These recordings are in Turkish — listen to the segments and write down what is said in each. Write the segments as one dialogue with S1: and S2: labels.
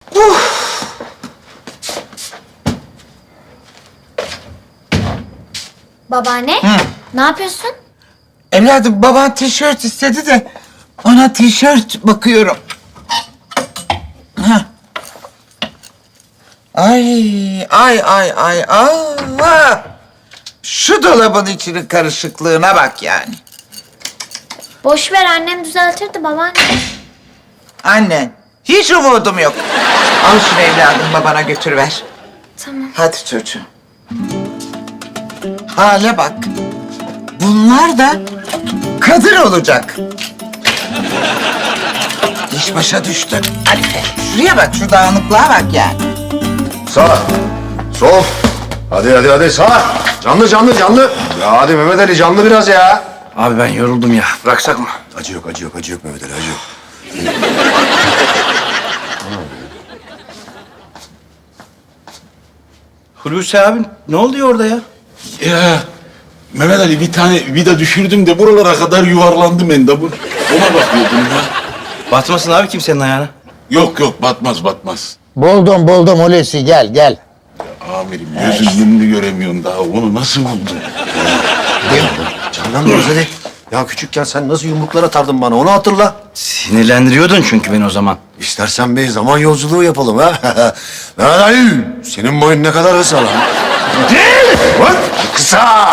S1: Babaanne, ne yapıyorsun?
S2: Evladım baban tişört istedi de ona tişört bakıyorum. Hah. Ay. Allah! Şu dolabın içinin karışıklığına bak yani.
S1: Boş ver, annem düzeltirdi babaanne.
S2: Annen, hiç umudum yok. Al şunu evladım babana götürüver.
S1: Tamam.
S2: Hadi çocuğum. Hale bak. Bunlar da Kadir olacak. İş başa düştü. Hadi şuraya bak, şu dağınıklığa bak yani.
S3: Sağ, sol. Hadi sağ. Canlı. Ya hadi Mehmet Ali canlı biraz ya.
S4: Abi ben yoruldum ya. Bıraksak mı?
S3: Acı yok Mehmet Ali, acı yok.
S4: Hulusi abim ne oluyor orada ya?
S5: Ya Mehmet Ali bir tane vida düşürdüm de buralara kadar yuvarlandım endamur. Ona bakıyordum ya.
S4: Batmasın abi kimsenin ayağına.
S5: Yok batmaz.
S6: Buldum Hulusi, gel.
S5: Amirim gözüm yumru göremiyorum daha. Onu nasıl buldun?
S3: Canlanmıyoruz hadi. Ya küçükken sen nasıl yumruklar atardın bana, onu hatırla.
S4: Sinirlendiriyordun çünkü beni o zaman.
S3: İstersen bir zaman yolculuğu yapalım ha. Mehmet Ali, senin boyun ne kadar kısa lan? Kısa!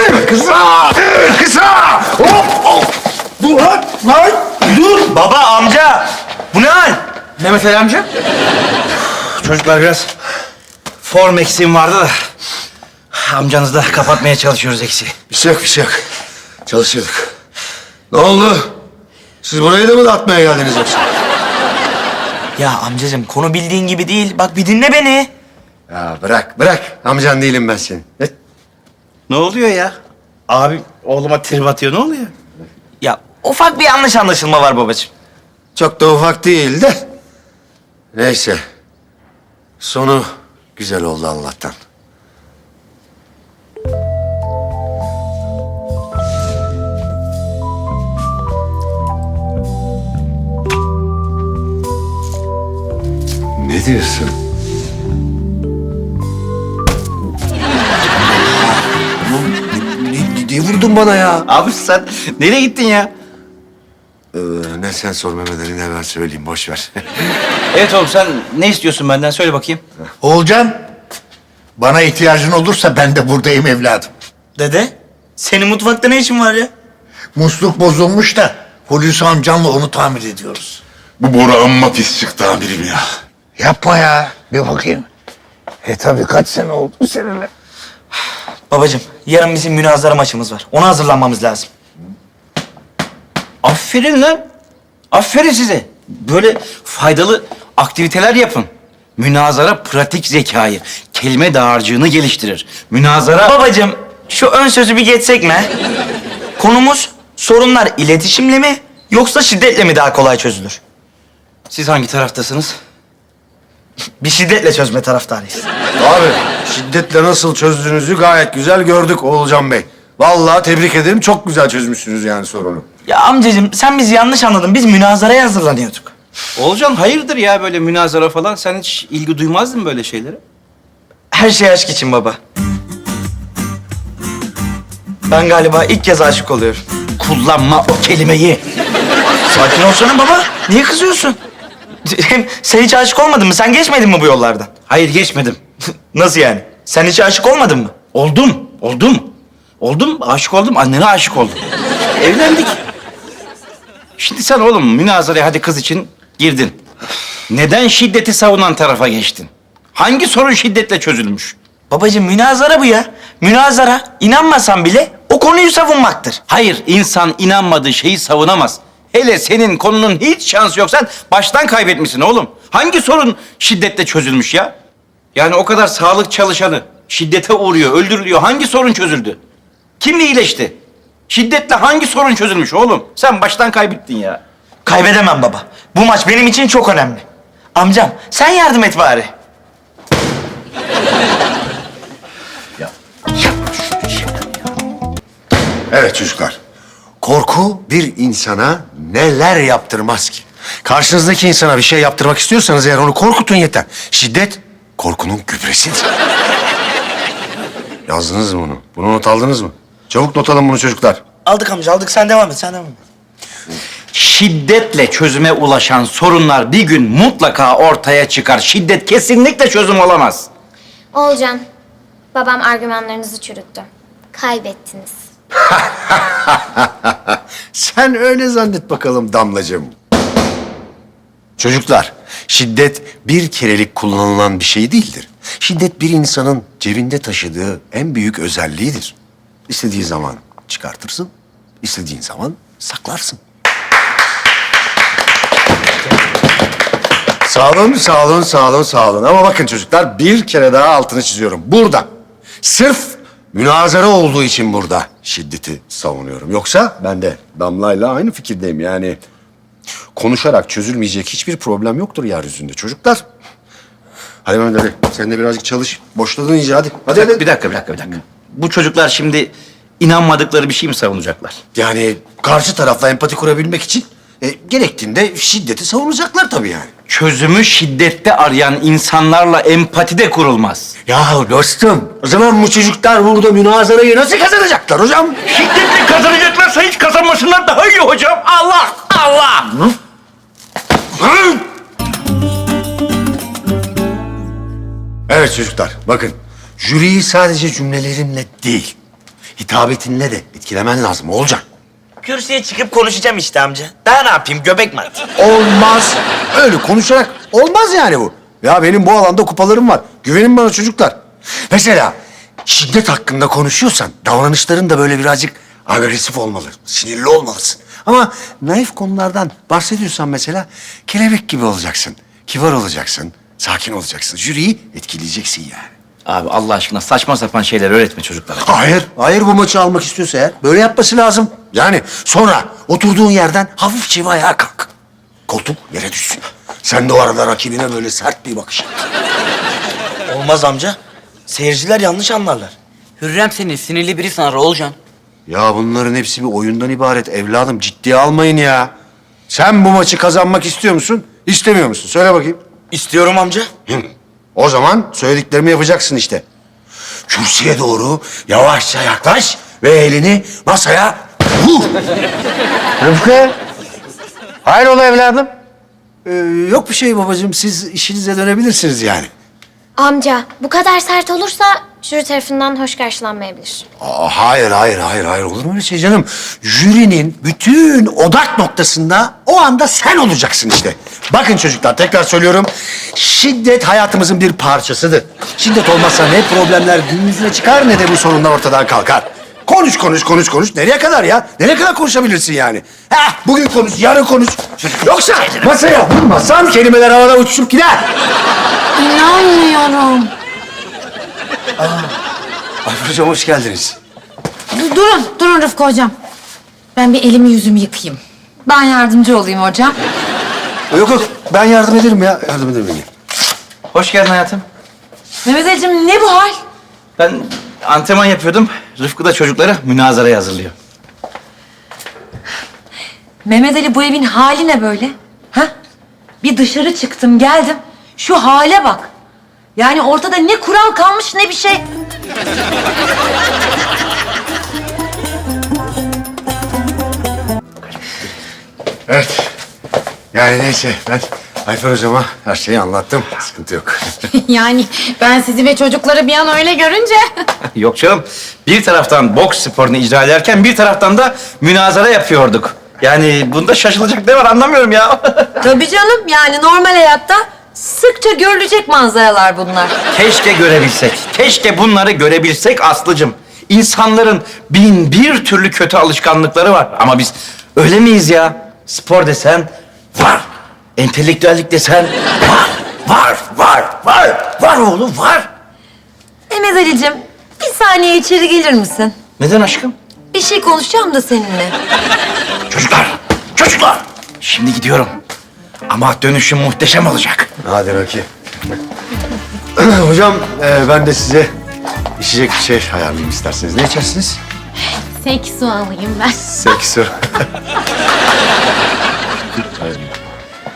S3: Hop! Dur lan!
S4: Dur baba amca. Bu ne hal? Mehmet Ali amca. Çocuklar biraz form eksiğim vardı da. Amcanızla kapatmaya çalışıyoruz eksiği.
S3: Bir şey yok. Çalışıyorduk. Ne oldu? Siz burayı da mı dağıtmaya geldiniz yoksa?
S7: Ya amcacığım konu bildiğin gibi değil. Bak bir dinle beni.
S3: Ya bırak. Amcan değilim ben senin.
S4: Ne oluyor ya? Abi oğluma trip atıyor, ne oluyor?
S7: Ya ufak bir yanlış anlaşılma var babacığım.
S3: Çok da ufak değil de. Neyse. Sonu güzel oldu Allah'tan. Ne diyorsun? Ne vurdun bana ya?
S4: Abi sen nereye gittin ya?
S3: Ne sen sor Mehmet Ali, ne ben söyleyeyim, boş ver.
S4: Evet oğlum sen ne istiyorsun benden? Söyle bakayım.
S6: Oğulcan, bana ihtiyacın olursa ben de buradayım evladım.
S7: Dede senin mutfakta ne işin var ya?
S6: Musluk bozulmuş da Hulusi amcanla onu tamir ediyoruz.
S5: Bu Bora amma pis çıktı amirim ya.
S6: Yapma ya, bir bakayım. Tabii kaç sene oldu seninle.
S7: Babacığım yarın bizim münazara maçımız var. Ona hazırlanmamız lazım.
S4: Aferin lan. Aferin size. Böyle faydalı aktiviteler yapın. Münazara pratik zekayı, kelime dağarcığını geliştirir. Münazara...
S7: Babacığım şu ön sözü bir geçsek mi? Konumuz sorunlar iletişimle mi yoksa şiddetle mi daha kolay çözülür?
S4: Siz hangi taraftasınız?
S7: Bir şiddetle çözme taraftarıyız.
S3: Abi, şiddetle nasıl çözdüğünüzü gayet güzel gördük Oğulcan Bey. Vallahi tebrik ederim, çok güzel çözmüşsünüz yani sorunu.
S7: Ya amcacığım sen bizi yanlış anladın. Biz münazaraya hazırlanıyorduk.
S4: Oğulcan hayırdır ya böyle münazara falan? Sen hiç ilgi duymazdın böyle şeylere?
S7: Her şey aşk için baba. Ben galiba ilk kez aşık oluyorum.
S4: Kullanma o kelimeyi.
S7: Sakin olsana baba. Niye kızıyorsun? Hem sen hiç aşık olmadın mı? Sen geçmedin mi bu yollardan?
S4: Hayır geçmedim.
S7: Nasıl yani? Sen hiç aşık olmadın mı?
S4: Oldum, aşık oldum, annene aşık oldum. Evlendik. Şimdi sen oğlum münazaraya hadi kız için girdin. Neden şiddeti savunan tarafa geçtin? Hangi sorun şiddetle çözülmüş?
S7: Babacığım münazara bu ya. Münazara inanmasan bile o konuyu savunmaktır.
S4: Hayır, insan inanmadığı şeyi savunamaz. Hele senin konunun hiç şansı yok. Sen baştan kaybetmişsin oğlum. Hangi sorun şiddetle çözülmüş ya? Yani o kadar sağlık çalışanı şiddete uğruyor, öldürülüyor. Hangi sorun çözüldü? Kim iyileşti? Şiddetle hangi sorun çözülmüş oğlum? Sen baştan kaybettin ya.
S7: Kaybedemem baba. Bu maç benim için çok önemli. Amcam sen yardım et bari.
S3: Evet çocuklar, korku bir insana neler yaptırmaz ki? Karşınızdaki insana bir şey yaptırmak istiyorsanız eğer onu korkutun yeter. Şiddet korkunun gübresidir. Yazdınız mı bunu? Bunu not aldınız mı? Çabuk not alın bunu çocuklar.
S7: Aldık amca aldık. Sen devam et.
S4: Şiddetle çözüme ulaşan sorunlar bir gün mutlaka ortaya çıkar. Şiddet kesinlikle çözüm olamaz.
S1: Olcan, babam argümanlarınızı çürüttü. Kaybettiniz.
S3: Sen öyle zannet bakalım Damlacığım. Çocuklar, şiddet bir kerelik kullanılan bir şey değildir. Şiddet bir insanın cebinde taşıdığı en büyük özelliğidir. İstediği zaman çıkartırsın, istediğin zaman saklarsın. Sağ olun. Ama bakın çocuklar bir kere daha altını çiziyorum. Burada, sırf münazara olduğu için burada şiddeti savunuyorum. Yoksa ben de Damla'yla aynı fikirdeyim. Yani konuşarak çözülmeyecek hiçbir problem yoktur yeryüzünde çocuklar. Hadi Mehmet Ali, sen de birazcık çalış. Boşladın iyice hadi. Hadi.
S4: Bir dakika. Bu çocuklar şimdi inanmadıkları bir şey mi savunacaklar?
S3: Yani karşı tarafla empati kurabilmek için gerektiğinde şiddeti savunacaklar tabii yani.
S4: Çözümü şiddette arayan insanlarla empati de kurulmaz.
S3: Ya dostum, o zaman bu çocuklar burada münazarayı nasıl kazanacaklar hocam?
S4: Şiddetle kazanacaklarsa hiç kazanmasınlar daha iyi hocam. Allah!
S3: Evet çocuklar, bakın. Jüriyi sadece cümlelerinle değil, hitabetinle de etkilemen lazım olacak.
S7: Kürsüye çıkıp konuşacağım işte amca. Daha ne yapayım? Göbek mi atayım?
S3: Olmaz. Öyle konuşarak olmaz yani bu. Ya benim bu alanda kupalarım var. Güvenin bana çocuklar. Mesela şiddet hakkında konuşuyorsan davranışların da böyle birazcık agresif olmalı. Sinirli olmalısın. Ama naif konulardan bahsediyorsan mesela kelebek gibi olacaksın. Kibar olacaksın. Sakin olacaksın. Jüriyi etkileyeceksin yani.
S4: Abi Allah aşkına saçma sapan şeyler öğretme çocuklara.
S3: Hayır bu maçı almak istiyorsa eğer böyle yapması lazım. Yani sonra oturduğun yerden hafifçe ayağa kalk. Koltuk yere düşsün. Sen de o arada rakibine böyle sert bir bakış at.
S7: Olmaz amca. Seyirciler yanlış anlarlar.
S8: Hürrem seni sinirli biri sanar Olcan.
S3: Ya bunların hepsi bir oyundan ibaret evladım. Ciddiye almayın ya. Sen bu maçı kazanmak istiyor musun? İstemiyor musun? Söyle bakayım.
S7: İstiyorum amca.
S3: O zaman söylediklerimi yapacaksın işte. Kürsüye doğru yavaşça yaklaş ve elini masaya vur. Rıfkı. Hayrola evladım? Yok bir şey babacığım. Siz işinize dönebilirsiniz yani.
S1: Amca, bu kadar sert olursa jüri tarafından hoş karşılanmayabilir.
S3: Hayır. Olur mu öyle şey canım? Jürinin bütün odak noktasında o anda sen olacaksın işte. Bakın çocuklar tekrar söylüyorum. Şiddet hayatımızın bir parçasıdır. Şiddet olmazsa ne problemler gün yüzüne çıkar ne de bu sorunlar ortadan kalkar. Konuş. Nereye kadar ya? Nereye kadar konuşabilirsin yani? Bugün konuş, yarın konuş. Yoksa masaya vurmazsan kelimeler havada uçuşup gider.
S9: İnanmıyorum.
S3: Ayfer hocam hoş geldiniz.
S9: Durun Rıfkı hocam. Ben bir elimi yüzümü yıkayayım. Ben yardımcı olayım hocam.
S3: Yok ben yardım ederim ya. Yardım ederim.
S4: Hoş geldin hayatım.
S9: Mehmet Ali'cim ne bu hal?
S4: Ben antrenman yapıyordum. Rıfkı da çocukları münazaraya hazırlıyor.
S9: Mehmet Ali bu evin hali ne böyle? Ha? Bir dışarı çıktım geldim. Şu hale bak. Yani ortada ne kural kalmış ne bir şey.
S3: Evet. Yani neyse ben Ayfer hocama her şeyi anlattım. Sıkıntı yok.
S9: Yani ben sizi ve çocukları bir an öyle görünce.
S4: Yok canım. Bir taraftan boks sporunu icra ederken bir taraftan da münazara yapıyorduk. Yani bunda şaşılacak ne var anlamıyorum ya.
S9: Tabii canım yani normal hayatta sıkça görülecek manzaralar bunlar.
S4: Keşke görebilsek. Keşke bunları görebilsek Aslı'cığım. İnsanların bin bir türlü kötü alışkanlıkları var. Ama biz öyle miyiz ya? Spor desen var. Entelektüellik desen var oğlum var.
S9: Mehmet Ali'cim bir saniye içeri gelir misin?
S4: Neden aşkım?
S9: Bir şey konuşacağım da seninle.
S4: Çocuklar. Şimdi gidiyorum. Ama dönüşüm muhteşem olacak.
S3: Hadi Rocky. Hocam ben de size içecek bir şey ayarlayayım isterseniz. Ne içersiniz?
S9: Seksu alayım ben.
S3: Seksu.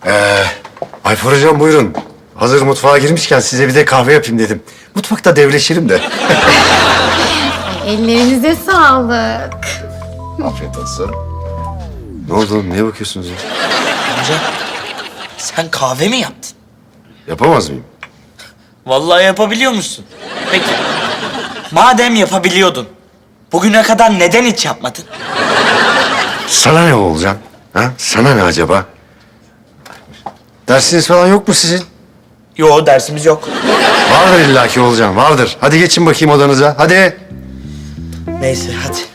S3: Ayfer hocam buyurun. Hazır mutfağa girmişken size bir de kahve yapayım dedim. Mutfakta devleşelim de.
S1: Ellerinize sağlık.
S3: Afiyet olsun. Ne oldu oğlum? Niye bakıyorsunuz ya?
S7: Amca sen kahve mi yaptın?
S3: Yapamaz mıyım?
S7: Vallahi yapabiliyor musun? Peki. Madem yapabiliyordun, bugüne kadar neden hiç yapmadın?
S3: Sana ne olacak? Ha? Sana ne acaba? Dersiniz falan yok mu sizin?
S7: Yo, dersimiz yok.
S3: Vardır illaki olacağım, vardır. Hadi geçin bakayım odanıza, hadi.
S7: Neyse hadi.